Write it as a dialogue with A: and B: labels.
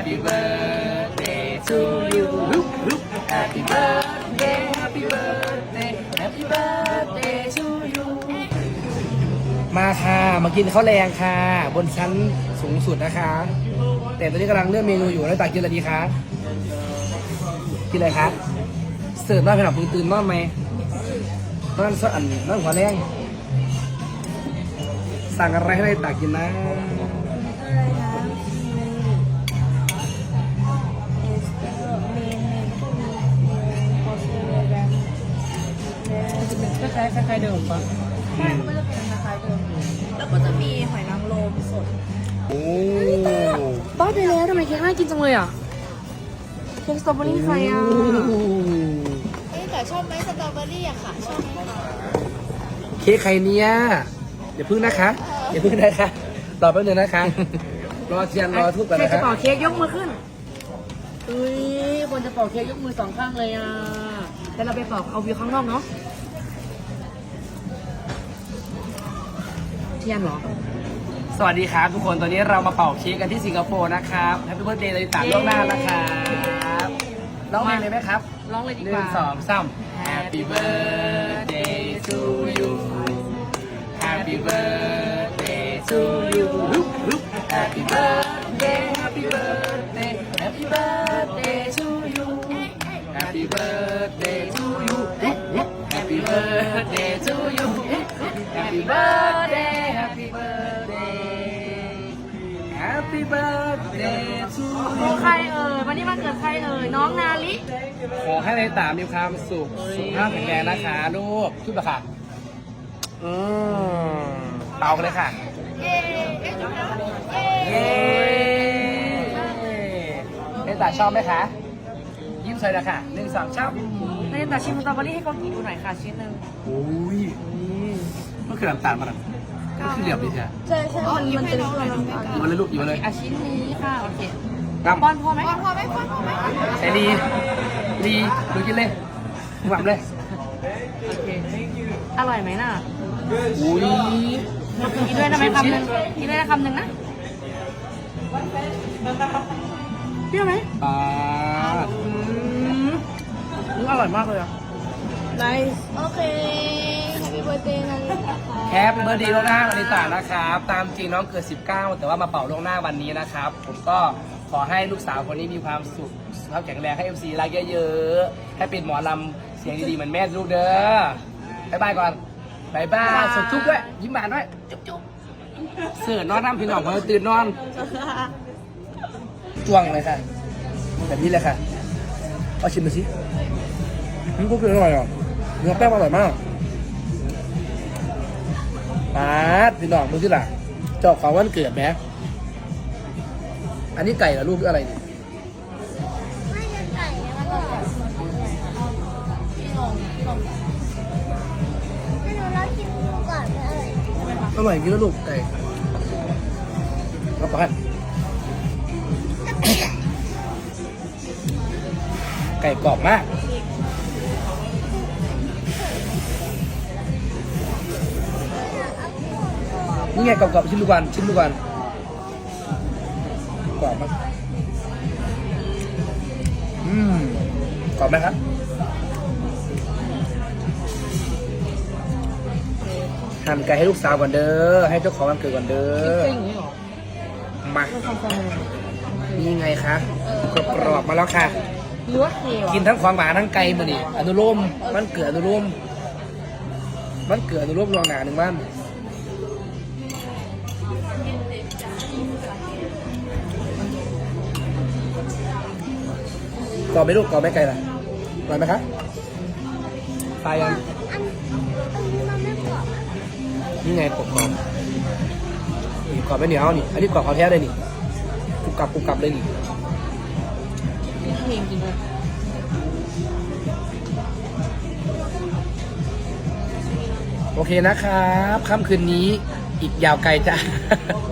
A: Happy birthday to you Happy birthday Happy birthday Happy birthday to you มาค่ะมากินข้าวแรงค่ะบนชั้นสูงสุดนะคะแต่ตอนนี้กำลังเลือกเมนูอยู่แล้วตากินอะไรดีคะกินอะไรคะเสิร์ฟน้อยไปหน่อยตื่นนอนไหมนั่นสักอันนั่นหัวแรงสั่งอะไรให้ตากินนะ
B: คล้ายๆเดิมปะใช่ก็จะเป็นคล้ายๆเดิมแล้วก็จะมีหอยนางรมสด
A: โอ้
B: บ้าไปแล้วทำไมเค้กน่ากินจังเลยอ่ะเค้กสตรอเบอรี่ใครอ่ะแต่ชอบไหมสตรอเบอรี่อะค่ะชอบไหมคะ
A: เค้กใครเนี่ยอย่าพึ่งนะคะอย่าพึ่งนะคะรอแป๊บนึงนะคะรอเทียนรอทุบกัน
B: ใคร
A: นะ
B: จะ
A: คะ
B: เป่าเค้กยกมือขึ้นอุ้ยคนจะเป่าเค้กยกมือสองข้างเลยอ่ะแต่เราไปเป่าเอาวิวข้างนอกเนาะเทียนเหรอ
A: สวัสดีครับทุกคนตอนนี้เรามาเป่าเค้กกันที่สิงคโปร์นะครับแฮปปี้เบิร์ธเดย์เลยตามล่วงหน้านะครับร้องเพลงเลยไหมครับ
B: ร้องเลยดี
A: ห
B: ก
A: นึ่
B: ว่า
A: งสองสาม Happy birthday to you Happy birthday to you Happy birthday Happy birthday Happy birthday to you Happy birthday to you Happy birthday to you Happy birthday Happy birthday Happy birthday to
B: โอ้
A: you
B: ใครเอ่ยวันนี้มาเกิดใครเอ่ยน้องนาลิ
A: ขอให้ในตามีความสุขสุขภาพแข็งแรงนะคะลูกชุดละค่ะเป่ากันเลยค่ะ
B: เย้
A: เย้ในตาชอบไหมคะยิ้มใส่ละค่ะหนึ่งสองชอบ
B: ในแต่ชิมสตรอเบอรี่ให้เขากินดูหน่อยค่ะชิ้นหนึ่ง
A: โอ้ยมันคือน้ำตาลมันมันคือเหลี่ยมดีแท้
B: ใช่มันเป็นตัวน้ำตาล
A: หยิบมาเลยลูกหยิบมาเลย
B: อ่ะชิ้นนี้ค่ะโอเค
A: กำ
B: ป้อนพ่อไหมป้อนไหม
A: ใส่ดีดูกินเลยหวังเลย
B: โอเคอร่อยไหมน่ะ
A: อุ้ย
B: กินด้วยนะไหมคำหนึ่งกินด้วยนะคำหนึ่งนะเปรี้ยวไหม
A: ปลา
B: อร่อยมากเลยอ่ะ nice โอเค Happy birthday นะ
A: แฮปปี้เบิร์ดเดย์ล่วงหน้าวันนี้ต่างนะครับ ตามจริงน้องเกิด 19 แต่ว่ามาเป่าล่วงหน้าวันนี้นะครับ ผมก็ขอให้ลูกสาวคนนี้มีความสุขสุขภาพแข็งแรงให้ FC รักเยอะๆให้เป็นหมอลำเสียงดีๆเหมือนแม่ลูกเด้อบายบายก่อนบายบายสดจุ๊บด้วยยิ้มหวานด้วยจุ๊บเสือนอนน้ำพี่น้องมาตื่นนอนจ้วงเลยค่ะแบบนี้เลยค่ะเอาชิมดูสิก็คืออร่อยอ่ะเนื้อแป้งอร่อยมากปาดพี่น้องดูสิล่ะเจ้าของวันเกิดไหมอันนี้ไก่เหรอลูกหรืออะไรนี่
C: ไม่ใช่ไก่นะมันก็แบบให้หนูลองชิมดูก่อนเลย
A: อร่อยจริงแล้วลูกไก่รับประทานไก่กรอบมากนี่ไงกรอบๆชิมดูก่อนกรอบมากกรอบไหมครับหั่นไก่ให้ลูกสาวก่อนเด้อให้เจ้าของวันเกิดก่อนเด้อ
B: จริงเหรอ
A: มานี่ไงคะกรอบๆมาแล้วค่ะ
B: หรือว่าเค็ม
A: กินทั้งของหวานทั้งไก่มาดิอนุโลมมันเกิดอนุโลมลวงหนาหนึ่งบ้านกรอบไหมลูกกรอบไหมไก่ล่ะอร่อยไหมคะตายยัง
C: อันนี้มันไม่กรอบอะ
A: นี่ไงกรอบนี่กรอบไม่เหนียวนี่อันนี้กรอบเขาแท้เลยนี่กรุบกรับเลยนี่
B: เค็มจริงด้วย
A: โอเคนะครับค่ำคืนนี้อีกยาวไกลจ้ะ